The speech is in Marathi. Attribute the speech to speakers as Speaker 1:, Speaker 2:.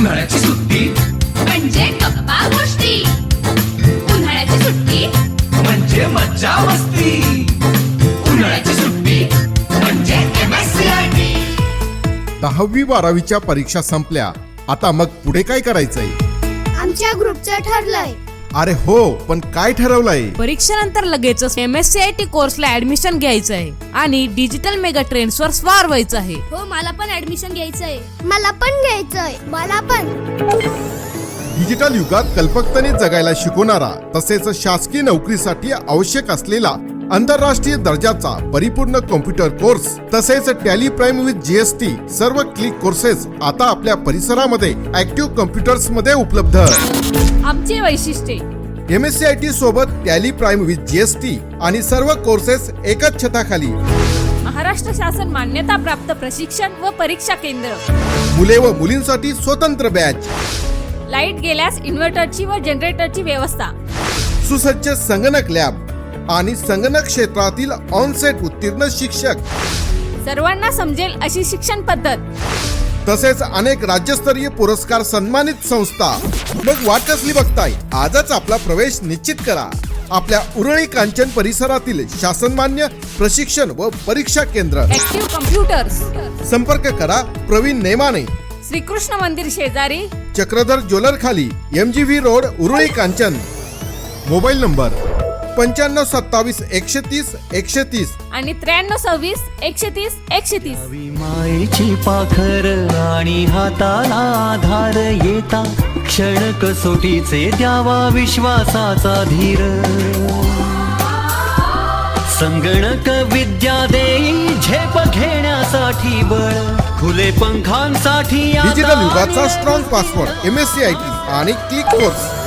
Speaker 1: उन्हाळ्याची सुट्टी
Speaker 2: म्हणजे गप्पा गोष्टी, उन्हाळ्याची सुट्टी
Speaker 1: म्हणजे मज्जा मस्ती, उन्हाळ्याची सुट्टी म्हणजे MSCIT.
Speaker 3: 10वी 12वीच्या परीक्षा संपल्या, आता मग पुढे काय करायचंय?
Speaker 4: आमच्या ग्रुपचं ठरलंय.
Speaker 3: अरे हो, पण काय ठरवलंय?
Speaker 5: परीक्षेनंतर लगेचच MSCIT कोर्सला ऍडमिशन घ्यायचं आहे आणि डिजिटल मेगा ट्रेंड्स वर स्वार व्हायचं आहे.
Speaker 4: हो, मला पण ऍडमिशन घ्यायचंय. मला पण घ्यायचंय. मला पण.
Speaker 3: डिजिटल युगात कल्पकतेने जगायला शिकवणारा तसेच शासकीय नोकरीसाठी आवश्यक असलेला आंतरराष्ट्रीय दर्जाचा परिपूर्ण कॉम्प्युटर कोर्स तसेच टॅली प्राइम विथ GST सर्व क्लिक कोर्सेस आता आपल्या परिसरामध्ये ऍक्टिव्ह कॉम्प्युटर्स मध्ये उपलब्ध.
Speaker 5: आमची वैशिष्ट्ये
Speaker 3: MSCIT सोबत टॅली प्राइम विथ GST आणि सर्व कोर्सेस एकाच छताखाली.
Speaker 5: महाराष्ट्र शासन मान्यता प्राप्त प्रशिक्षण व परीक्षा केंद्र,
Speaker 3: मुले व मुलींसाठी स्वतंत्र बॅच,
Speaker 5: लाईट गेल्यास इन्व्हर्टरची व जनरेटरची व्यवस्था,
Speaker 3: सुसज्ज संगणक लॅब आणि संगणक क्षेत्रातील ऑनसेट उत्तीर्ण शिक्षक
Speaker 5: सर्वांना समजेल अशी शिक्षण पद्धत,
Speaker 3: तसेच अनेक राज्यस्तरीय पुरस्कार सन्मानित संस्था. मग वाट कसली बघताय? आजच आपला प्रवेश निश्चित करा आपल्या उरळी कांचन परिसरातील शासनमान्य प्रशिक्षण व परीक्षा केंद्र.
Speaker 5: ऍक्टिव्ह कम्प्युटर्स,
Speaker 3: संपर्क करा प्रवीण नेमाने,
Speaker 5: श्रीकृष्ण मंदिर शेजारी,
Speaker 3: चक्रधर ज्वेलर खाली, MGV road, Urali Kanchan. Mobile number 9527 130 130
Speaker 5: आणि 9326 130 130.
Speaker 6: मायेची पाखर आणि हाताला आधार येता क्षण कसोटीचे द्यावा विश्वासाचा धीर. संगणक विद्या देई झेप घेण्यासाठी बळ, खुले पंखांसाठी
Speaker 3: डिजिटल युगाचा स्ट्रॉंग पासवर्ड MSCIT आणि क्लिक कोर्स.